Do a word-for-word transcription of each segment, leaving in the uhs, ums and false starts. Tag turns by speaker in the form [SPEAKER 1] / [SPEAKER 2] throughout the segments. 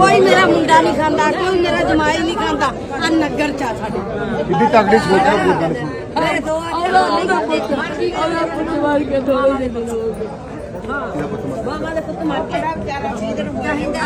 [SPEAKER 1] कोई मेरा मुंडा नहीं खाता, कोई मेरा जमाई नहीं खाता। आ नगर चा साडे
[SPEAKER 2] कितनी तगड़ी सोच है वो गल सुन
[SPEAKER 1] मेरे दो बाबा दे पुत मार के बेचारा चीज रुकदा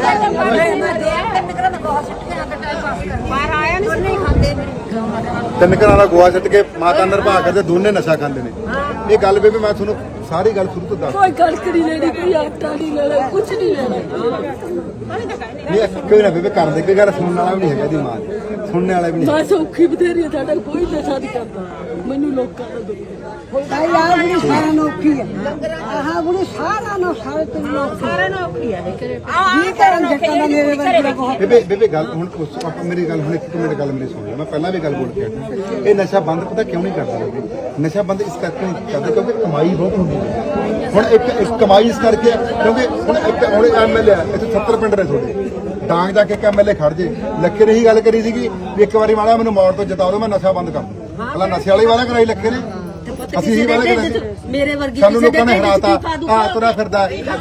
[SPEAKER 1] बाहर आया नहीं खाते
[SPEAKER 2] ਤਿੰਨ ਘਰਾਂ ਦਾ ਗੋਆ ਛੱਡ ਕੇ ਮਾਤਾ ਨਿਰਭਾ ਕਰਦੇ ਦੋਨੇ ਨਸ਼ਾ ਖਾਂਦੇ ਨੇ। ਇਹ ਗੱਲ ਬੇਬੇ ਮੈਂ ਤੁਹਾਨੂੰ ਸਾਰੀ ਗੱਲ ਸ਼ੁਰੂ ਤੋਂ ਦੱਸ
[SPEAKER 1] कोई कड़क नहीं लेनी, कोई आटा नहीं लेना, कुछ नहीं लेना।
[SPEAKER 2] ਨਹੀਂ ਕੋਈ ਨਾ ਬੇਬੇ ਕਰਦੇ ਕੋਈ ਗੱਲ ਸੁਣਨ ਵਾਲਾ ਵੀ ਨਹੀਂ ਹੈਗਾ ਦੀ ਮਾਂ ਸੁਣਨ ਵਾਲਾ ਵੀ ਨਹੀਂ।
[SPEAKER 1] बस औखी बथेरी है, साडा कोई नशा नहीं करता। मैनू लोकां दा दुख
[SPEAKER 3] भाई आ बुढ़ी सारा नौकी है आहा बुढ़ी सारा नो सारे तुम लोग
[SPEAKER 1] सारे ना औखी है
[SPEAKER 3] ये करन जट्टा दा मेरे वर्गा बहुत
[SPEAKER 2] ਬੇਬੇ ਬੇਬੇ ਗੱਲ ਹੁਣ ਉਸ- ਆਪਾਂ ਮੇਰੀ ਗੱਲ ਹੁਣ ਇੱਕ ਮਿੰਟ ਗੱਲ ਮੇਰੀ ਸੁਣ ਲੈ। ਮੈਂ ਪਹਿਲਾਂ ਵੀ ਗੱਲ ਬੋਲ ਕੇ ਆਇਆ। ਇਹ ਨਸ਼ਾ ਬੰਦ ਪਤਾ ਕਿਉਂ ਨਹੀਂ ਕਰਦਾ ਬੇਬੇ? ਨਸ਼ਾ ਬੰਦ ਇਸ ਕਰਕੇ ਨਹੀਂ ਕਰਦੇ ਕਿਉਂਕਿ ਕਮਾਈ ਬਹੁਤ ਹੁੰਦੀ ਹੈ। ਹੁਣ ਇੱਕ ਇੱਕ ਕਮਾਈ ਇਸ ਕਰਕੇ ਹੈ ਕਿਉਂਕਿ ਹੁਣ ਇੱਕ ਹੁਣ ਐਮਐਲਏ ਆ ਇੱਥੇ ਸੱਤਰ ਪਿੰਡ ਨੇ ਤੁਹਾਡੇ ਡਾਂਗ ਜਾ ਕੇ ਇੱਕ ਐਮਐਲਏ ਖੜ ਜੇ ਲੱਖੇ ਨੇ ਹੀ ਗੱਲ ਕਰੀ ਸੀਗੀ ਵੀ ਇੱਕ ਵਾਰੀ ਮਾੜਾ ਮੈਨੂੰ ਮੌੜ ਤੋਂ ਜਿਤਾ ਦਿਓ ਮੈਂ ਨਸ਼ਾ ਬੰਦ ਕਰ ਦੂੰ। ਪਹਿਲਾਂ ਨਸ਼ੇ ਵਾਲੀ ਵਾਲਾ ਕਰਾਈ ਲੱਖੇ ਨੇ ਅਸੀਂ ਹੀ ਵਾਲਾ ਕਰਾਈ
[SPEAKER 1] मेरे वर्गी
[SPEAKER 2] ਸਾਨੂੰ ਲੋਕਾਂ ਨੇ ਹਰਾਤਾ ਆ ਤੁਰਾ ਫਿਰਦਾ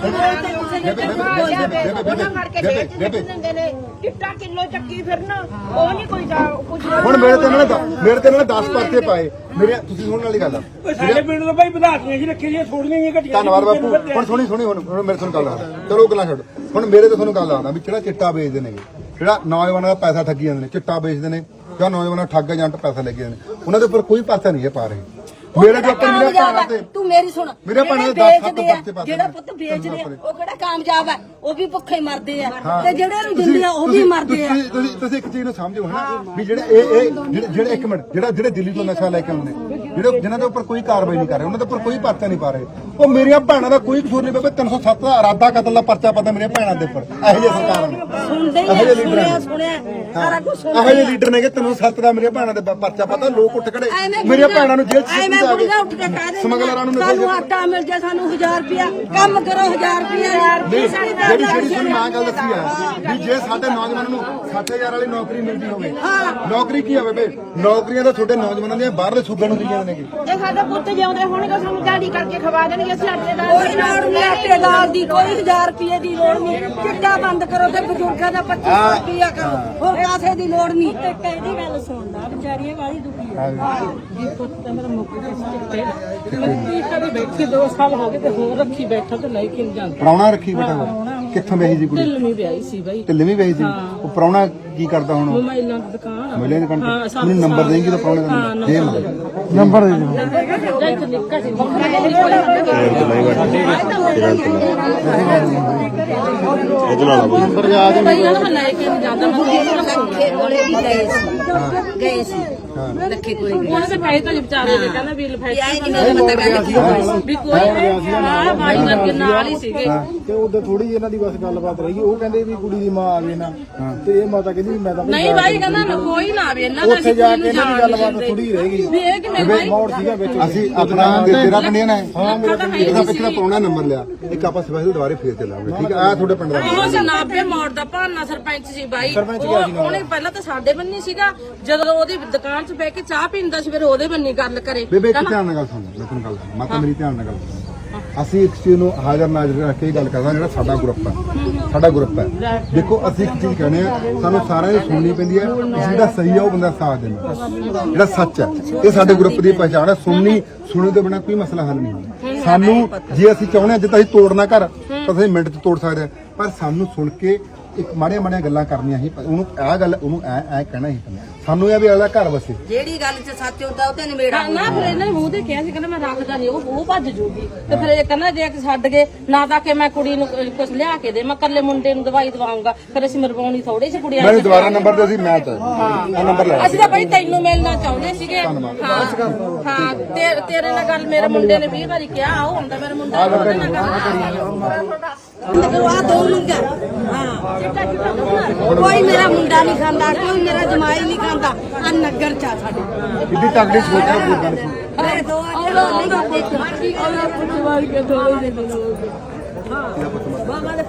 [SPEAKER 4] ਚਿੱਟਾ ਕਿਲੋ ਚੱਕੀ ਫਿਰਨਾ ਉਹ ਨਹੀਂ ਕੋਈ ਕੁਝ
[SPEAKER 2] ਹੁਣ ਮੇਰੇ ਤੇ ਇਹਨਾਂ ਨੇ ਦ- ਮੇਰੇ ਤੇ ਇਹਨਾਂ ਨੇ ਦਸ ਪਰਚੇ ਪਾਏ ਮੇਰੇ ਤੁਸੀਂ ਸੁਣਨ ਵਾਲੀ ਗੱਲ ਆ
[SPEAKER 5] ਸਾਡੇ ਪਿੰਡ ਤੋਂ ਭਾਈ ਵਧਾਤੀਆਂ ਜੀ ਰੱਖੀ ਜੀ ਥੋੜੀਆਂ ਹੀ ਘਟੀਆਂ
[SPEAKER 2] ਧੰਨਵਾਦ ਬਾਪੂ ਹੁਣ ਸੁਣੀ ਸੁਣੀ ਹੁਣ ਹੁਣ ਮੇਰੇ ਤੁਹਾਨੂੰ ਗੱਲ ਆ ਚਲੋ ਗੱਲਾਂ ਛੱਡ ਹੁਣ ਮੇਰੇ ਤੇ ਤੁਹਾਨੂੰ ਗੱਲ ਆਉਂਦਾ ਵੀ ਜਿਹੜਾ ਚਿੱਟਾ ਵੇਚਦੇ ਨੇਗੇ ਜਿਹੜਾ ਨੌਜਵਾਨਾਂ ਦਾ ਪੈਸਾ ਠੱਗੀ ਜਾਂਦੇ ਨੇ ਚਿੱਟਾ ਵੇਚਦੇ ਨੇ ਜਾਂ ਨੌਜਵਾਨਾਂ ਠੱਗ ਏਜੰਟ ਪੈਸਾ ਲੈ ਕੇ ਜਾਂਦੇ ਨੇ ਉਹਨਾਂ ਦੇ ਉੱਪਰ ਕੋਈ ਪਰਚਾ ਨਹੀਂ ਹੈ ਪਾ ਰਹੇ ਮੇਰੇ ਦੇ ਉੱਪਰ ਮੇਰੇ ਭੈਣਾਂ ਤੇ
[SPEAKER 1] तू मेरी सुन
[SPEAKER 2] मेरे भैणों दे दस सत्त बच्चे पाते
[SPEAKER 1] जेड़ा
[SPEAKER 2] ने।
[SPEAKER 1] पुत बेचदे आ ਉਹ ਕਿਹੜਾ ਕਾਮਯਾਬ ਹੈ ਉਹ ਵੀ ਭੁੱਖੇ ਮਰਦੇ ਆ ਤੇ ਜਿਹੜੇ ਨੂੰ ਦਿੰਦੇ ਆ ਉਹ ਵੀ ਮਰਦੇ ਆ
[SPEAKER 2] ਤੁਸੀਂ ਤੁਸੀਂ ਤੁਸੀਂ ਇੱਕ ਚੀਜ਼ ਨੂੰ ਸਮਝੋ ਹਨਾ ਵੀ ਜਿਹੜੇ ਇਹ ਇਹ ਜਿਹੜੇ ਜਿਹੜੇ ਇੱਕ ਮਿੰਟ ਜਿਹੜਾ ਜਿਹੜੇ ਦਿੱਲੀ ਤੋਂ ਨਸ਼ਾ ਲੈ ਕੇ ਆਉਂਦੇ ਨੇ ਜਿਹੜੇ ਜਿਨ੍ਹਾਂ ਦੇ ਉੱਪਰ ਕੋਈ ਕਾਰਵਾਈ ਨਹੀਂ ਕਰ ਰਹੇ ਉਹਨਾਂ ਦੇ ਉੱਪਰ ਕੋਈ ਪਰਚਾ ਨਹੀਂ ਪਾ ਰਹੇ ਉਹ ਮੇਰੀਆਂ ਭੈਣਾਂ ਦਾ ਕੋਈ ਕਸੂਰ ਨਹੀਂ ਬੇਬੇ ਤਿੰਨ ਸੌ ਸੱਤ ਦਾ ਇਰਾਦਾ ਕਤਲ ਦਾ ਪਰਚਾ ਪਤਾ ਮੇਰੀਆਂ ਭੈਣਾਂ ਦੇ ਉੱਪਰ ਇਹੋ ਜਿਹੇ ਸਰਕਾਰਾਂ ਨੇ
[SPEAKER 1] ਸੁਣਦੇ ਹੀ
[SPEAKER 2] ਇਹੋ
[SPEAKER 1] ਆ,
[SPEAKER 2] ਜਿਹੇ ਲੀਡਰ
[SPEAKER 1] ਸੁਣਿਆ
[SPEAKER 2] ਨੇ
[SPEAKER 1] ਸੁਣਿਆ ਸਾਰਾ ਕੁਝ ਸੁਣ
[SPEAKER 2] ਇਹੋ ਜਿਹੇ ਲੀਡਰ ਨੇ ਕਿ ਤਿੰਨ ਸੌ ਸੱਤ ਦਾ ਮੇਰੀਆਂ ਭੈਣਾਂ ਦੇ ਪ- ਪਰਚਾ ਪਤਾ ਲੋਕ ਉੱਠ ਖੜੇ
[SPEAKER 1] ਐਵੇਂ
[SPEAKER 2] ਮੇਰੀਆਂ
[SPEAKER 1] ਬੁੜੀਆਂ-
[SPEAKER 2] ਭੈਣਾਂ ਨੂੰ ਜੇਲ੍ਹ ਚ
[SPEAKER 1] ਐਵੇਂ
[SPEAKER 2] ਸਿੱਟ
[SPEAKER 1] ਬੁੜੀਆਂ ਉੱਠ ਕੇ ਕਹਿ ਦਿੰਦੀਆਂ,
[SPEAKER 2] ਸਮਗਲਰਾਂ ਨੂੰ ਨਸ਼ੇ
[SPEAKER 1] ਸਾਨੂੰ ਆਟਾ ਮਿਲ ਜਾ ਸਾਨੂੰ ਹਜ਼ਾਰ ਰੁਪਿਆ ਕੰਮ ਕਰੋ ਹਜ਼ਾਰ ਰੁਪਿਆ
[SPEAKER 2] ਨਹੀਂ, ਜਿਹੜੀ ਜਿਹੜੀ ਤੁਹਾਨੂੰ ਮਾਂ ਗੱਲ ਦੱਸੀ ਆ ਵੀ ਜੇ ਸਾਡੇ ਨੌਜਵਾਨਾਂ ਨੂੰ ਸੱਠ ਹਜ਼ਾਰ ਵਾਲੀ ਨੌਕਰੀ ਮਿਲਦੀ ਹੋਵੇ ਨੌਕਰੀ ਕੀ ਆ ਬੇਬੇ ਨੌਕਰੀਆਂ ਤਾਂ ਤੁਹਾਡੇ ਨੌਜਵਾਨਾਂ ਦੀਆਂ ਬਾਹਰਲੇ ਸੂਬਿਆਂ ਨੂੰ ਦਿੰਦੀਆਂ ਨੇ
[SPEAKER 4] ਇਹ ਸਾਡੇ ਪੁੱਤ ਜਿਉਂਦੇ ਹੋਣਗੇ ਸਾਨੂੰ ਦਿਹਾੜੀ ਕਰਕੇ ਖਵਾ ਦੇਣਗੇ ਅਸੀਂ ਆਟੇ ਦਾ
[SPEAKER 1] ਕੋਈ ਲੋੜ ਨਹੀਂ ਆਟੇ ਦਾਲ ਦੀ ਕੋਈ ਹਜ਼ਾਰ ਰੁਪਏ ਦੀ ਲੋੜ ਨਹੀਂ ਚਿੱਟਾ ਬੰਦ ਕਰੋ ਤੇ ਬਜ਼ੁਰਗਾਂ ਦਾ ਪੱਚੀ ਸੌ ਰੁਪਿਆ ਕਰੋ ਹੋਰ ਕਾਸੇ ਦੀ ਲੋੜ ਨਹੀਂ
[SPEAKER 3] कहदी गल सुनदा बेचारियां वाली दुखी है
[SPEAKER 5] ਜੀ ਪੁੱਤ ਤਾਂ ਮੇਰਾ ਮੁੱਕ ਗਿਆ ਸੀ ਚਿੱਟੇ ਮੈਂ ਕੀ ਕਰੀ ਬੈਠੀ ਦੋ ਸਾਲ ਹੋ ਗਏ ਤੇ ਹੋਰ ਰੱਖੀ ਬੈਠਾ ਤੇ ਲੈ ਕੇ ਨਹੀਂ ਜਾਂਦਾ
[SPEAKER 2] ਪ੍ਰਾਹੁਣਾ ਰੱਖੀ ਬੇਟਾ ਉਹ। ਕਿੱਥੋਂ ਵੇਹੀ ਜੀ ਕੁੜੀ
[SPEAKER 5] ਢਿੱਲਵੀਂ ਵਿਆਹੀ ਸੀ ਬਾਈ
[SPEAKER 2] ਢਿੱਲੇ ਵੀ ਵੇਹੀ ਸੀ ਉਹ ਪ੍ਰਾਹੁਣਾ ਕੀ ਕਰਦਾ ਹੁਣ
[SPEAKER 5] ਮੋਬਾਈਲਾਂ ਦੀ ਦੁਕਾਨ ਆ।
[SPEAKER 2] ਮਿਲੇ ਨੇ ਕੰਟ
[SPEAKER 5] ਹਾਂ, ਸਭ-
[SPEAKER 2] ਮੈਨੂੰ ਨੰਬਰ ਦੇਂਗੀ ਤਾਂ ਪ੍ਰਾਹੁਣੇ ਦਾ
[SPEAKER 5] ਹਾਂ,
[SPEAKER 2] ਦੇ
[SPEAKER 5] ਨੰਬਰ
[SPEAKER 2] ਨੰਬਰ ਦੇ ਦੇ
[SPEAKER 5] ਜਾਂ ਇੱਥੇ ਨਿੱਕਾ ਸੀ ਬੱਕਰਾ
[SPEAKER 2] ਇਹ ਨੰਬਰ ਯਾਦ
[SPEAKER 5] ਬਾਈ ਇਹਨਾਂ ਨੂੰ ਲੈ ਕੇ ਨਹੀਂ ਜਾਂਦਾ ਮੈਂ ਹੋਰ ਰੱਖੂ
[SPEAKER 1] ਲੱਖੇ ਕੋਲੇ ਵੀ ਗਏ ਸੀ ਗਏ ਸੀ ਲੱਖੇ ਕੋਲੇ ਗਏ
[SPEAKER 5] ਉਹਨਾਂ ਦੇ ਪੈਸੇ ਤਾਂ ਵਿਚਾਰੇ ਦੇ ਕਹਿੰਦਾ ਵੀ ਲਿਫਾਈ
[SPEAKER 1] ਆਏ ਨਹੀਂ ਮੈਨੂੰ ਪਤਾ ਕਹਿੰਦਾ ਕੀ ਹੋਇਆ
[SPEAKER 5] ਵੀ ਕੋਈ ਹਾਂ ਬਾਈ ਵਰਗੇ ਨਾਲ ਹੀ ਸੀਗੇ
[SPEAKER 6] ਤੇ ਉਦੋਂ ਥੋੜੀ ਇਹਨਾਂ ਦੀ ਬਸ ਗੱਲਬਾਤ ਰਹੀ ਉਹ ਕਹਿੰਦੇ ਵੀ ਕੁੜੀ ਦੀ ਮਾਂ ਆਵੇ ਨਾ ਤੇ ਇਹ ਮਾਤਾ ਕਹਿੰਦੀ ਵੀ ਮੈਂ ਤਾਂ
[SPEAKER 5] ਨਹੀਂ ਬਾਈ ਕਹਿੰਦਾ ਨਾ ਕੋਈ ਨਾ ਆਵੇ ਇਹਨਾਂ ਦਾ
[SPEAKER 6] ਉੱਥੇ ਜਾ ਕੇ ਇਹਨਾਂ ਦੀ ਗੱਲਬਾਤ ਥੋੜੀ ਰਹਿ ਗਈ
[SPEAKER 5] ਵੀ ਇਹ ਕਿਵੇਂ ਬਾਈ
[SPEAKER 6] ਮੌੜ ਸੀਗਾ ਵਿੱਚ
[SPEAKER 2] ਅਸੀਂ ਆਪਣਾ ਤੇਰਾ ਪਿੰਡ ਹੈ ਨਾ
[SPEAKER 5] ਹਾਂ ਮੇਰਾ
[SPEAKER 2] ਇਹਦਾ ਪਿਛਲਾ ਪ੍ਰਾਹੁਣਾ ਨੰਬਰ ਲਿਆ ਇੱਕ ਆਪਾਂ ਸਪੈਸ਼ਲ ਦੁਬਾਰੇ ਫੇਰ ਚੱਲਾਂਗੇ ਠੀਕ ਆ ਆਹ ਤੁਹਾਡੇ ਪਿੰਡ ਦਾ
[SPEAKER 5] ਉਹ ਜਨਾਬੇ ਮੋੜ ਦਾ ਭਾਨਾ ਸਰਪੰਚ ਸੀ ਬਾਈ ਉਹ- ਉਹਨੇ ਪਹਿਲਾਂ ਤਾਂ ਸਾਡੇ ਬੰਨੀ ਸੀਗਾ ਜਦੋਂ ਉਹਦੀ ਦੁਕਾਨ 'ਚ ਬਹਿ ਕੇ ਚਾਹ ਪੀਂਦਾ ਸੀ ਫਿਰ ਉਹਦੇ ਬੰਨੀ ਗੱਲ ਕਰੇ
[SPEAKER 2] ਬੇਬੇ ਇੱਕ ਧਿਆਨ ਨਾਲ ਗੱਲ ਸੁਣ ਮੈਂ ਤੁਹਾਨੂੰ ਗੱਲ ਸੁਣ ਮਾਤਾ ਮੇਰੀ ਧਿਆਨ ਨਾਲ ਗੱਲ ਸੁਣ ਅਸੀਂ ਇੱਕ ਚੀਜ਼ ਨੂੰ ਹਾਜ਼ਰ ਨਾਜ਼ਰ ਰੱਖ ਕੇ ਇਹ ਗੱਲ ਕਰਦਾ ਜਿਹੜਾ ਸਾਡਾ ਗਰੁੱਪ ਹੈ ਸਾਡਾ ਗਰੁੱਪ ਹੈ ਦੇਖੋ ਅਸੀਂ ਇੱਕ ਚੀਜ਼ ਕਹਿੰਦੇ ਆ ਸਾਨੂੰ ਸਾਰਿਆਂ ਦੀ ਸੁਣਨੀ ਪੈਂਦੀ ਹੈ ਜਿਹੜਾ ਸਹੀ ਹੈ ਉਹ ਬੰਦਾ ਸਾਥ ਦੇਣਾ ਜਿਹੜਾ ਸੱਚ ਹੈ ਇਹ ਸਾਡੇ ਗਰੁੱਪ ਦੀ ਪਛਾਣ ਹੈ ਸੁਣਨੀ ਸੁਣਨ ਤੋਂ ਬਿਨਾਂ ਕੋਈ ਮਸਲਾ ਹੱਲ ਨਹੀਂ ਹੁੰਦਾ ਸਾਨੂੰ ਜੇ ਅਸੀਂ ਚਾਹੁੰਦੇ ਹਾਂ ਜਿੱਦਾਂ ਅਸੀਂ ਤੋੜਨਾ ਘਰ ਤਾਂ ਅਸੀਂ ਮਿੰਟ 'ਚ ਤੋੜ ਸਕਦੇ ਹਾਂ ਪਰ ਸਾਨੂੰ ਸੁਣ ਕੇ ਇੱਕ ਮਾੜੀਆਂ ਮਾੜੀਆਂ ਗੱਲਾਂ ਕਰਨੀਆਂ ਸੀ ਉਹਨੂੰ ਆਹ ਗੱਲ ਉਹਨੂੰ ਐ ਐ ਕਹਿਣਾ ਸੀ ਸਾਨੂੰ ਇਹ ਵੀ ਅਗਲਾ ਘਰ ਵਸੇ
[SPEAKER 1] ਜਿਹੜੀ ਗੱਲ 'ਚ ਸੱਚ ਹੁੰਦਾ ਉਹ ਤੇ ਨਿਬੇੜਾ
[SPEAKER 5] ਨਾ ਫਿਰ ਇਹਨਾਂ ਨੇ ਮੂੰਹ ਤੇ ਕਿਹਾ ਸੀ ਕਹਿੰਦਾ ਮੈਂ ਰੱਖਦਾ ਨਹੀਂ ਉਹ ਉਹ ਭੱਜ ਜੂਗੀ ਤੇ ਫਿਰ ਇਹ ਕਹਿੰਦਾ ਜੇ ਕਿ ਛੱਡ ਗਏ ਨਾ ਤਾਂ ਕਿ ਮੈਂ ਕੁੜੀ ਨੂੰ ਕੁਝ ਲਿਆ ਕੇ ਦੇ ਮੈਂ ਕੱਲੇ ਮੁੰਡੇ ਨੂੰ ਦਵਾਈ ਦਵਾਉਂਗਾ ਫਿਰ ਅਸੀਂ ਮਰਵਾਉਣੀ ਥੋੜੀ ਸੀ ਕੁੜੀਆਂ
[SPEAKER 2] ਮੈਨੂੰ ਦੁਬਾਰਾ ਨੰਬਰ ਦੇ ਅਸੀਂ ਮੈਂ ਤਾਂ ਆਹ ਨੰਬਰ ਲੈ
[SPEAKER 5] ਅਸੀਂ ਤਾਂ ਬਈ ਤੈਨੂੰ ਮਿਲਣਾ ਚਾਹੁੰਦੇ ਸੀਗੇ ਹਾਂ ਹਾਂ ਤੇ- ਤੇਰੇ ਨਾਲ ਗੱਲ ਮੇਰੇ ਮੁੰਡੇ ਨੇ ਵੀਹ ਵਾਰੀ ਕਿਹਾ ਉਹ ਹੁੰਦਾ ਮੇਰੇ ਮੁੰਡੇ ਨਾਲ ਉਹਦੇ ਨਾਲ ਗੱਲ
[SPEAKER 1] ਕਰੋ ਆ ਦੋ ਮੁੰਡਾ ਹਾਂ ਕੋਈ ਮੇਰਾ ਮੁੰਡਾ ਨਹੀਂ ਖਾਂਦਾ ਕੋਈ ਮੇਰਾ ਜਮਾਈ ਨਹੀਂ ਖਾਂਦਾ ਆ ਨਗਰ ਚਾ ਸਾਡੇ
[SPEAKER 2] ਕਿੱਡੀ ਤਗੜੀ ਸੋਚ ਹੈ ਉਹ ਗੱਲ ਸੁਣ
[SPEAKER 1] ਮੇਰੇ ਦੋ ਨਹੀਂ ਖਾਂਦੇ
[SPEAKER 5] ਮਾਰ ਕੇ ਥੋੜੇ ਜਿਹੇ
[SPEAKER 1] ਬਾਬਾ ਦੇ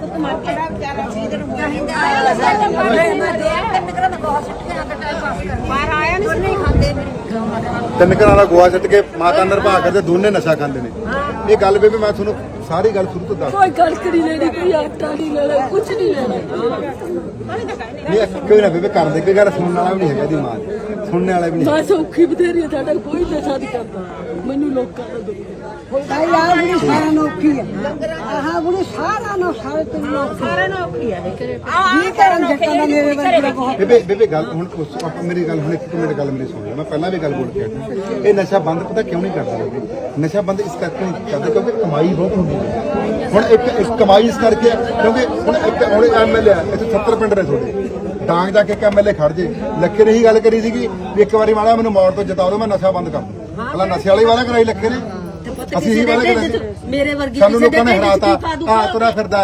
[SPEAKER 1] ਪੁੱਤ ਮਰ ਕੇ ਵਿਚਾਰਾ ਸੀ ਤੇ ਆਇਆ ਲੱਗਾ ਮੈਂ ਦੇ ਤਿੰਨ ਘਰਾਂ ਦਾ ਬਹੁਤ ਸਿੱਟਿਆ ਦਾ ਟਾਈਮ ਪਾਸ ਕਰ ਬਾਹਰ ਆਇਆ ਨਹੀਂ ਨਹੀਂ ਖਾਂਦੇ
[SPEAKER 2] ਤਿੰਨ ਘਰਾਂ ਦਾ ਗੋਆ ਛੱਡ ਕੇ ਮਾਤਾ ਨਿਰਭਾ ਕਰਦੇ ਦੋਨੇ ਨਸ਼ਾ ਖਾਂਦੇ ਨੇ। ਇਹ ਗੱਲ ਬੇਬੇ ਮੈਂ ਤੁਹਾਨੂੰ ਸਾਰੀ ਗੱਲ ਸ਼ੁਰੂ ਤੋਂ ਦੱਸ
[SPEAKER 1] ਕੋਈ ਕਣਕ ਨਹੀਂ ਲੈਣੀ ਕੋਈ ਆਟਾ ਨਹੀਂ ਲੈਣਾ ਕੁਝ ਨਹੀਂ ਲੈਣਾ
[SPEAKER 2] ਨਹੀਂ ਕੋਈ ਨਾ ਬੇਬੇ ਕਰਦੇ ਕੋਈ ਗੱਲ ਸੁਣਨ ਵਾਲਾ ਵੀ ਨਹੀਂ ਹੈਗਾ ਦੀ ਮਾਂ ਸੁਣਨ ਵਾਲਾ ਵੀ ਨਹੀਂ।
[SPEAKER 1] ਬਸ ਔਖੀ ਬਥੇਰੀ ਆ, ਸਾਡਾ ਕੋਈ ਨਸ਼ਾ ਨਹੀਂ ਕਰਦਾ ਮੈਨੂੰ ਲੋਕਾਂ ਦਾ ਦੁੱਖ
[SPEAKER 3] ਭਾਈ ਆਹ ਬੁੜੀ ਸਾਰਾ ਨੌਕੀ ਹੈ ਆਹ ਬੁੜੀ ਸਾਰਾ ਨੌ ਸਾਰੇ ਤੇ ਨੌਕੀ
[SPEAKER 1] ਸਾਰਿਆਂ ਨੂੰ ਔਖੀ ਆ ਕਰੇ
[SPEAKER 3] ਜੀ ਕਰਨ ਜੱਟਾਂ ਦਾ ਮੇਰੇ ਵਰਗਾ ਬਹੁਤ
[SPEAKER 2] ਬੇਬੇ ਬੇਬੇ ਗੱਲ ਹੁਣ ਉਸ ਆਪਾਂ ਮੇਰੀ ਗੱਲ ਹੁਣ ਇੱਕ ਮਿੰਟ ਗੱਲ ਮੇਰੀ ਸੁਣ ਲੈ। ਮੈਂ ਪਹਿਲਾਂ ਵੀ ਗੱਲ ਬੋਲ ਕੇ ਹਟਿਆ। ਇਹ ਨਸ਼ਾ ਬੰਦ ਪਤਾ ਕਿਉਂ ਨਹੀਂ ਕਰਦਾ ਲੋਕੀ? ਨਸ਼ਾ ਬੰਦ ਇਸ ਕਰਕੇ ਨਹੀਂ ਕਰਦੇ ਕਿਉਂਕਿ ਕਮਾਈ ਬਹੁਤ ਹੁੰਦੀ ਹੈ। ਹੁਣ ਇੱਕ ਇੱਕ ਕਮਾਈ ਇਸ ਕਰਕੇ ਹੈ ਕਿਉਂਕਿ ਹੁਣ ਇੱਕ ਹੁਣ ਐਮਐਲਏ ਆ ਇੱਥੇ ਸੱਤਰ ਪਿੰਡ ਨੇ ਤੁਹਾਡੇ ਡਾਂਗ ਜਾ ਕੇ ਇੱਕ ਐਮਐਲਏ ਖੜ ਜੇ ਲੱਖੇ ਨੇ ਹੀ ਗੱਲ ਕਰੀ ਸੀਗੀ ਵੀ ਇੱਕ ਵਾਰੀ ਮਾੜਾ ਮੈਨੂੰ ਮੌੜ ਤੋਂ ਜਿਤਾ ਦਿਓ ਮੈਂ ਨਸ਼ਾ ਬੰਦ ਕਰ ਦੂੰ। ਪਹਿਲਾਂ ਨਸ਼ੇ ਵਾਲੀ ਵਾਲਾ ਕਰਾਈ ਲੱਖੇ ਨੇ ਅਸੀਂ ਹੀ ਵਾਲਾ ਕਰਾਈ
[SPEAKER 1] ਮੇਰੇ ਵਰਗੀ
[SPEAKER 2] ਸਾਨੂੰ ਲੋਕਾਂ ਨੇ ਹਰਾਤਾ ਆ ਤੁਰਾ ਫਿਰਦਾ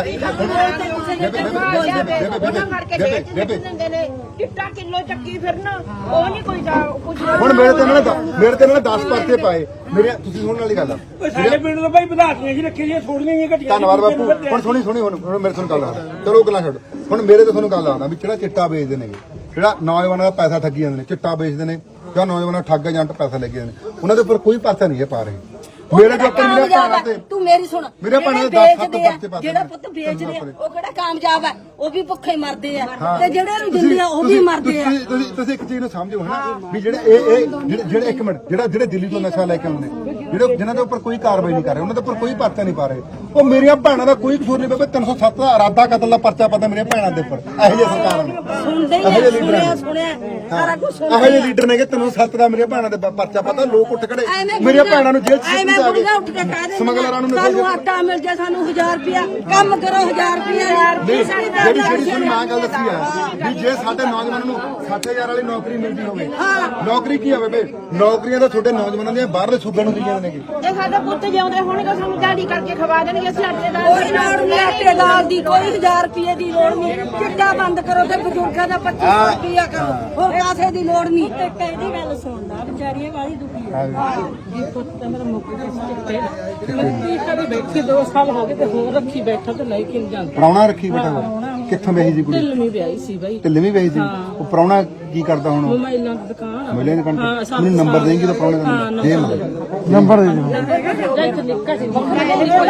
[SPEAKER 4] ਚਿੱਟਾ ਕਿਲੋ ਚੱਕੀ ਫਿਰਨਾ ਉਹ ਨਹੀਂ ਕੋਈ ਕੁਝ
[SPEAKER 2] ਹੁਣ ਮੇਰੇ ਤੇ ਇਹਨਾਂ ਨੇ ਮੇਰੇ ਤੇ ਇਹਨਾਂ ਨੇ ਦਸ ਪਰਚੇ ਪਾਏ ਮੇਰੇ ਤੁਸੀਂ ਸੁਣਨ ਵਾਲੀ ਗੱਲ ਆ
[SPEAKER 7] ਸਾਡੇ ਪਿੰਡ ਤੋਂ ਭਾਈ ਵਿਧਾਇਕ ਜੀ ਰੱਖੇ ਜੀ ਥੋੜੀਆਂ ਹੀ ਘਟੀਆਂ
[SPEAKER 2] ਧੰਨਵਾਦ ਬਾਪੂ ਹੁਣ ਸੁਣੀ ਸੁਣੀ ਹੁਣ ਹੁਣ ਮੇਰੇ ਤੁਹਾਨੂੰ ਗੱਲ ਆ ਚਲੋ ਉਹ ਗੱਲਾਂ ਛੱਡ ਹੁਣ ਮੇਰੇ ਤੇ ਤੁਹਾਨੂੰ ਗੱਲ ਆਉਂਦਾ ਵੀ ਜਿਹੜਾ ਚਿੱਟਾ ਵੇਚਦੇ ਨੇਗੇ ਜਿਹੜਾ ਨੌਜਵਾਨਾਂ ਦਾ ਪੈਸਾ ਠੱਗੀ ਜਾਂਦੇ ਨੇ ਚਿੱਟਾ ਵੇਚਦੇ ਨੇ ਜਾਂ ਨੌਜਵਾਨਾਂ ਠੱਗ ਏਜੰਟ ਪੈਸਾ ਲੈ ਕੇ ਜਾਂਦੇ ਨੇ ਉਹਨਾਂ ਦੇ ਉੱਪਰ ਕੋਈ ਪਰਚਾ ਨਹੀਂ ਹੈ ਪਾ ਰਹੇ ਮੇਰੇ ਦੇ ਉੱਪਰ ਮੇਰੇ ਭੈਣਾਂ ਤੇ
[SPEAKER 1] ਤੂੰ ਮੇਰੀ ਸੁਣ
[SPEAKER 2] ਮੇਰੇ ਭੈਣਾਂ ਦੇ
[SPEAKER 1] ਜਿਹੜੇ
[SPEAKER 2] ਦਸ ਸੱਤ
[SPEAKER 1] ਵੇਚਦੇ ਆ,
[SPEAKER 2] ਪਰਚੇ ਪਾਤੇ
[SPEAKER 1] ਜਿਹੜਾ ਪੁੱਤ ਵੇਚਦੇ ਆ ਉਹ ਕਿਹੜਾ ਕਾਮਯਾਬ ਹੈ ਉਹ ਵੀ ਭੁੱਖੇ ਮਰਦੇ ਆ ਤੇ ਜਿਹੜੇ ਨੂੰ ਦਿੰਦੇ ਆ ਉਹ ਵੀ ਮਰਦੇ ਆ
[SPEAKER 2] ਤੁਸੀਂ ਤੁਸੀਂ ਤੁਸੀਂ ਇੱਕ ਚੀਜ਼ ਨੂੰ ਸਮਝੋ ਹਨਾ ਵੀ ਜਿਹੜੇ ਇਹ ਇਹ ਜਿਹੜੇ ਜਿਹੜੇ ਇੱਕ ਮਿੰਟ ਜਿਹੜਾ ਜਿਹੜੇ ਦਿੱਲੀ ਤੋਂ ਨਸ਼ਾ ਲੈ ਕੇ ਆਉਂਦੇ ਜਿਹੜੇ ਜਿਨ੍ਹਾਂ ਦੇ ਉੱਪਰ ਕੋਈ ਕਾਰਵਾਈ ਨਹੀਂ ਕਰ ਰਹੇ ਉਹਨਾਂ ਦੇ ਉੱਪਰ ਕੋਈ ਪਰਚਾ ਨਹੀਂ ਪਾ ਰਹੇ ਉਹ ਮੇਰੀਆਂ ਭੈਣਾਂ ਦਾ ਕੋਈ ਕਸੂਰ ਨਹੀਂ ਬੇਬੇ ਤਿੰਨ ਸੌ ਸੱਤ ਦਾ ਇਰਾਦਾ ਕਤਲ ਦਾ ਪਰਚਾ ਪਾਤਾ ਮੇਰੀਆਂ ਭੈਣਾਂ ਦੇ ਉੱਪਰ ਇਹੋ ਜਿਹੇ ਸਰਕਾਰਾਂ ਨੇ
[SPEAKER 1] ਸੁਣਦੇ ਹੀ
[SPEAKER 2] ਇਹੋ
[SPEAKER 1] ਆ,
[SPEAKER 2] ਜਿਹੇ ਲੀਡਰ
[SPEAKER 1] ਸੁਣਿਆ
[SPEAKER 2] ਨੇ
[SPEAKER 1] ਸੁਣਿਆ ਸਾਰਾ ਕੁਝ
[SPEAKER 2] ਇਹੋ ਜਿਹੇ ਲੀਡਰ ਨੇ ਕਿ ਤਿੰਨ ਸੌ ਸੱਤ ਦਾ ਮੇਰੀਆਂ ਭੈਣਾਂ ਦੇ ਪ- ਪਰਚਾ ਪਾਤਾ ਲੋਕ ਉੱਠ ਖੜੇ
[SPEAKER 1] ਐਵੇਂ
[SPEAKER 2] ਮੇਰੀਆਂ
[SPEAKER 1] ਬੁੜੀਆਂ-
[SPEAKER 2] ਭੈਣਾਂ ਨੂੰ ਜੇਲ੍ਹ ਚ
[SPEAKER 1] ਐਵੇਂ
[SPEAKER 2] ਸਿੱਟ
[SPEAKER 1] ਬੁੜੀਆਂ ਉੱਠ ਕੇ ਕਹਿ ਦੇ
[SPEAKER 2] ਸਮਗਲਰਾਂ ਨੂੰ
[SPEAKER 1] ਸਾਨੂੰ
[SPEAKER 2] ਨਸ਼ੇ
[SPEAKER 1] ਆਟਾ ਮਿਲ ਜਾ ਸਾਨੂੰ ਹਜ਼ਾਰ ਰੁਪਿਆ ਕੰਮ ਕਰੋ ਹਜ਼ਾਰ ਰੁਪਿਆ
[SPEAKER 2] ਨਹੀਂ ਜਿਹੜੀ ਜਿਹੜੀ ਤੁਹਾਨੂੰ ਮੈਂ ਗੱਲ ਦੱਸੀ ਆ ਵੀ ਜੇ ਸਾਡੇ ਨੌਜਵਾਨਾਂ ਨੂੰ ਸੱਠ ਹਜ਼ਾਰ ਵਾਲੀ ਨੌਕਰੀ ਮਿਲਦੀ ਹੋਵੇ ਨੌਕਰੀ ਕੀ ਹੋਵੇ ਬੇ ਨੌਕਰੀਆਂ ਤਾਂ ਤੁਹਾਡੇ ਨੌਜਵਾਨਾਂ ਦੀਆਂ ਬਾਹਰਲੇ ਸੂਬਿਆਂ ਨੂੰ ਦਿੱਤੀਆਂ ਨੇ
[SPEAKER 4] ਇਹ ਸਾਡੇ ਪੁੱਤ ਜਿਉਂਦੇ ਹੋਣਗੇ ਸਾਨੂੰ ਦਿਹਾੜੀ ਕਰਕੇ ਖਵਾ ਦੇਣਗੇ ਅਸੀਂ ਆਟੇ ਦਾ
[SPEAKER 1] ਕੋਈ ਲੋੜ ਨਹੀਂ ਆਟੇ ਦਾਲ ਦੀ ਕੋਈ ਹਜ਼ਾਰ ਰੁਪਏ ਦੀ ਲੋੜ ਨਹੀਂ ਚਿੱਟਾ ਬੰਦ ਕਰੋ ਤੇ ਬਜ਼ੁਰਗਾਂ ਦਾ ਪੱਚੀ ਸੌ ਰੁਪਿਆ ਕਰੋ ਹੋਰ ਕਾਸੇ ਦੀ ਲੋੜ ਨਹੀਂ ਤੇ ਕਹਿੰਦੀ ਗੱਲ ਸੁਣਦਾ ਵਿਚਾਰੀਆਂ ਵਾਲੀ ਦੁਖੀ ਆ ਇਹ ਪੁੱਤ ਮੇਰਾ ਮੁੱਕ ਗਿਆ ਚਿੱਟੇ ਮੈਂ ਕਦੇ ਬੈਠੀ ਦੋ ਸਾਲ ਹੋ ਗਏ ਤੇ ਹੋਰ ਰੱਖੀ ਬੈਠਾ ਤੇ ਲੈ ਕੇ ਨਹੀਂ ਜਾਂਦਾ
[SPEAKER 2] ਪ੍ਰਾਹੁਣਾ ਰੱਖੀ ਬੇਟਾ ਉਹ। ਕਿੱਥੋਂ ਵੇਹੀ ਜੀ ਕੁੜੀ
[SPEAKER 5] ਢਿੱਲਵੀਂ ਵਿਆਹੀ ਸੀ ਬਾਈ
[SPEAKER 2] ਢਿੱਲਵੀਂ ਵੇਹੀ ਸੀ ਉਹ ਪ੍ਰਾਹੁਣਾ ਕੀ ਕਰਦਾ ਹੁਣ ਉਹ?
[SPEAKER 5] ਮੋਬਾਈਲਾਂ ਦੀ ਦੁਕਾਨ ਆ
[SPEAKER 2] ਮਿਲੇ ਨੇ ਕੰਟ
[SPEAKER 5] ਹਾਂ, ਸਾਨੂੰ
[SPEAKER 2] ਮੈਨੂੰ ਨੰਬਰ ਦੇਂਗੀ ਤਾਂ ਪ੍ਰਾਹੁਣੇ ਦਾ ਦੇ ਨੰਬਰ ਦੇ ਦਿਓ
[SPEAKER 5] ਜਾਂ ਇੱਥੇ ਨਿੱਕਾ ਸੀ ਬੱਕਰਾ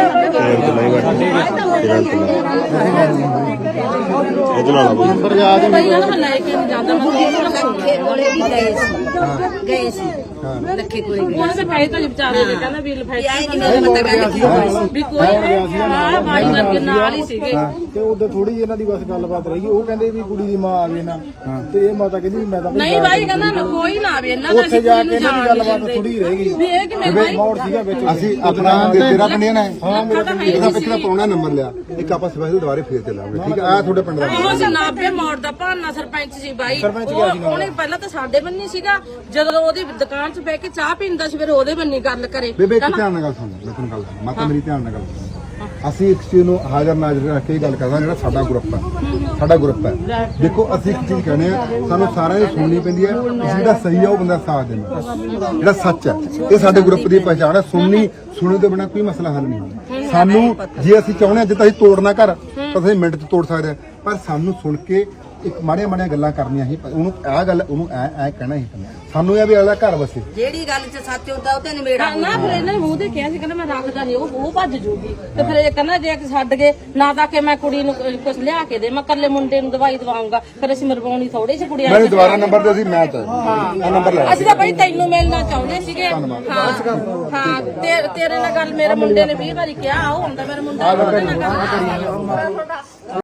[SPEAKER 2] ਨੰਬਰ ਯਾਦ
[SPEAKER 5] ਬਾਈ ਇਹਨਾਂ ਨੂੰ ਲੈ ਕੇ ਨਹੀਂ ਜਾਂਦਾ ਮੈਂ ਉਹਨੂੰ
[SPEAKER 1] ਲੱਖੇ ਕੋਲੇ ਵੀ ਗਏ ਸੀ ਗਏ ਸੀ ਲੱਖੇ ਕੋਲੇ ਗਏ
[SPEAKER 5] ਉਹਨੇ ਤਾਂ ਪੈਸੇ ਤਾਂ ਵਿਚਾਰੇ ਨੇ ਕਹਿੰਦਾ ਵੀ ਲਫਾਈ
[SPEAKER 1] ਆਏ ਨਹੀਂ ਮੈਨੂੰ ਪਤਾ ਕਹਿੰਦਾ ਕੀ ਹੋਇਆ
[SPEAKER 5] ਵੀ ਕੋਈ ਹਾਂ ਬਾਈ ਵਰਗੇ ਨਾਲ ਹੀ ਸੀਗੇ
[SPEAKER 6] ਤੇ ਉਦੋਂ ਥੋੜੀ ਇਹਨਾਂ ਦੀ ਬਸ ਗੱਲਬਾਤ ਰਹੀ ਉਹ ਕਹਿੰਦੇ ਵੀ ਕੁੜੀ ਦੀ ਮਾਂ ਆਵੇ ਨਾ ਤੇ ਇਹ ਮਾਤਾ ਕਹਿੰਦੀ ਵੀ ਮੈਂ ਤਾਂ
[SPEAKER 5] ਨਹੀਂ ਬਾਈ ਕਹਿੰਦਾ ਨਾ ਕੋਈ ਨਾ ਆਵੇ ਇਹਨਾਂ ਦਾ
[SPEAKER 6] ਉੱਥੇ ਜਾ ਕੇ ਇਹਨਾਂ ਦੀ ਗੱਲਬਾਤ ਥੋੜੀ ਰਹਿ ਗਈ
[SPEAKER 5] ਵੀ ਇਹ ਕਿਵੇਂ ਬਾਈ
[SPEAKER 6] ਮੌੜ ਸੀਗਾ ਵਿੱਚ
[SPEAKER 2] ਅਸੀਂ ਆਪਣਾ ਤੇਰਾ ਪਿੰਡ ਨਾ
[SPEAKER 5] ਹਾਂ ਮੇਰਾ
[SPEAKER 2] ਇਹਦਾ ਪਿਛਲਾ ਪ੍ਰਾਹੁਣਾ ਨੰਬਰ ਲਿਆ ਇੱਕ ਆਪਾਂ ਸਪੈਸ਼ਲ ਦੁਬਾਰੇ ਫੇਰ ਚੱਲਾਂਗੇ ਠੀਕ ਆ ਆ ਤੁਹਾਡੇ ਪਿੰਡ ਦਾ
[SPEAKER 5] ਉਹ ਜਨਾਬੇ ਮੋੜ ਦਾ ਭਾਨਾ ਸਰਪੰਚ ਸੀ ਬਾਈ ਉਹ ਉਹਨੇ ਪਹਿਲਾਂ ਤਾਂ ਸਾਡੇ ਬੰਨੀ ਸੀਗਾ ਜਦੋਂ ਉਹਦੀ ਦੁਕਾਨ 'ਚ ਬਹਿ ਕੇ ਚਾਹ ਪੀਂਦਾ ਸੀ ਫਿਰ ਉਹਦੇ ਬੰਨੀ ਗੱਲ ਕਰੇ
[SPEAKER 2] ਬੇਬੇ ਇੱਕ ਧਿਆਨ ਨਾਲ ਗੱਲ ਸੁਣ ਮੈਂ ਤੁਹਾਨੂੰ ਗੱਲ ਸੁਣ ਮਾਤਾ ਮੇਰੀ ਧਿਆਨ ਨਾਲ ਗੱਲ ਸੁਣ ਅਸੀਂ ਇੱਕ ਚੀਜ਼ ਨੂੰ ਹਾਜ਼ਰ ਨਾਜ਼ਰ ਰੱਖ ਕੇ ਗੱਲ ਕਰਦਾ ਜਿਹੜਾ ਸਾਡਾ ਗਰੁੱਪ ਹੈ ਸਾਡਾ ਗਰੁੱਪ ਹੈ ਦੇਖੋ ਅਸੀਂ ਇੱਕ ਚੀਜ਼ ਕਹਿੰਦੇ ਆ ਸਾਨੂੰ ਸਾਰਿਆਂ ਦੀ ਸੁਣਨੀ ਪੈਂਦੀ ਹੈ ਜਿਹੜਾ ਸਹੀ ਹੈ ਉਹ ਬੰਦਾ ਸਾਥ ਦੇਣਾ ਜਿਹੜਾ ਸੱਚ ਹੈ ਇਹ ਸਾਡੇ ਗਰੁੱਪ ਦੀ ਪਛਾਣ ਹੈ ਸੁਣਨੀ ਸੁਣਨ ਤੋਂ ਬਿਨਾਂ ਕੋਈ ਮਸਲਾ ਹੱਲ ਨਹੀਂ ਹੁੰਦਾ ਸਾਨੂੰ ਜੇ ਅਸੀਂ ਚਾਹੁੰਦੇ ਹਾਂ ਜੇ ਤਾਂ ਅਸੀਂ ਤੋੜਨਾ ਘਰ ਤਾਂ ਅਸੀਂ ਮਿੰਟ 'ਚ ਤੋੜ ਸਕਦੇ ਹਾਂ ਪਰ ਸਾਨੂੰ ਸੁਣ ਕੇ ਇੱਕ ਮਾੜੀਆਂ ਮਾੜੀਆਂ ਗੱਲਾਂ ਕਰਨੀਆਂ ਹੀ ਉਹਨੂੰ ਆਹ ਗੱਲ ਉਹਨੂੰ ਐ ਐ ਕਹਿਣਾ ਹੀ ਪੈਂਦਾ ਸਾਨੂੰ ਇਹ ਵੀ ਅਗਲਾ ਘਰ ਵਸੇ
[SPEAKER 1] ਜਿਹੜੀ ਗੱਲ 'ਚ ਸੱਚ ਹੁੰਦਾ ਉਹ ਤੇ ਨਿਬੇੜਾ
[SPEAKER 5] ਨਾ ਫਿਰ ਇਹਨਾਂ ਨੇ ਮੂੰਹ ਤੇ ਕਿਹਾ ਸੀ ਕਹਿੰਦਾ ਮੈਂ ਰੱਖਦਾ ਨਹੀਂ ਉਹ ਉਹ ਭੱਜ ਜੂਗੀ ਤੇ ਫਿਰ ਇਹ ਕਹਿੰਦਾ ਜੇ ਛੱਡ ਗਏ ਨਾ ਤਾਂ ਕਿ ਮੈਂ ਕੁੜੀ ਨੂੰ ਕੁਝ ਲਿਆ ਕੇ ਦੇ ਮੈਂ ਕੱਲੇ ਮੁੰਡੇ ਨੂੰ ਦਵਾਈ ਦਵਾਉਂਗਾ ਫਿਰ ਅਸੀਂ ਮਰਵਾਉਣੀ ਥੋੜੀ ਜਿਹੀ ਕੁੜੀ
[SPEAKER 2] ਮੈਨੂੰ ਦੁਬਾਰਾ ਨੰਬਰ ਦੇ ਅਸੀਂ ਮੈਚ ਆ ਨੰਬਰ ਲੈ
[SPEAKER 5] ਅਸੀਂ ਤਾਂ ਬਈ ਤੈਨੂੰ ਮਿਲਣਾ ਚਾਹੁੰਦੇ ਸੀਗੇ ਹਾਂ ਹਾਂ ਤੇ ਤੇਰੇ ਨਾਲ ਗੱਲ ਮੇਰੇ ਮੁੰਡੇ ਨੇ ਵੀਹ ਵਾਰੀ ਕਿਹਾ ਉਹ ਹੁੰਦਾ ਮੇਰਾ ਮੁੰਡਾ ਉਹਦੇ ਨਾਲ ਗੱਲ